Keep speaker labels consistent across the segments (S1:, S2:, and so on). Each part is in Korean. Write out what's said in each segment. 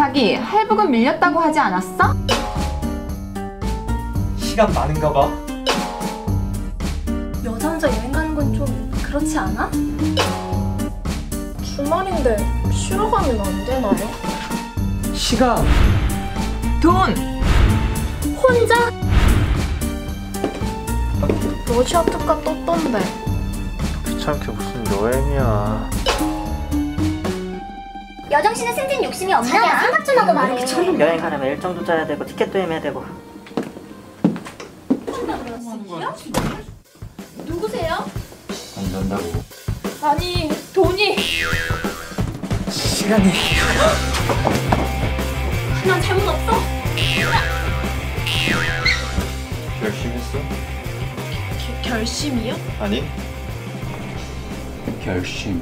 S1: 자기 할부금 밀렸다고 하지 않았어?
S2: 시간 많은가 봐.
S3: 여자 혼자 여행 가는 건 좀 그렇지 않아?
S4: 주말인데 쉬러 가면 안 되나요?
S2: 시간.
S1: 돈!
S3: 혼자?
S4: 러시아 특가 떴던데.
S2: 귀찮게 무슨 여행이야.
S5: 여정 씨는 승진 욕심이 없나 봐. 생각 좀 하고 말해.
S6: 처음 여행 가려면 일정도 짜야 되고 티켓도 헤매야 되고.
S3: 누구세요?
S2: 안 된다고.
S3: 아니, 돈이.
S2: 시간이.
S3: 난 잘못 없어?
S2: 결심했어?
S4: 결심이요?
S2: 아니. 결심.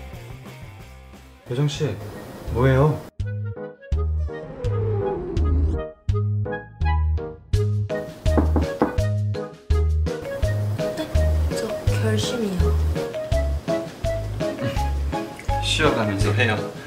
S2: 여정 씨, 뭐예요?
S4: 저 결심이요.
S2: 쉬어가면서 해요.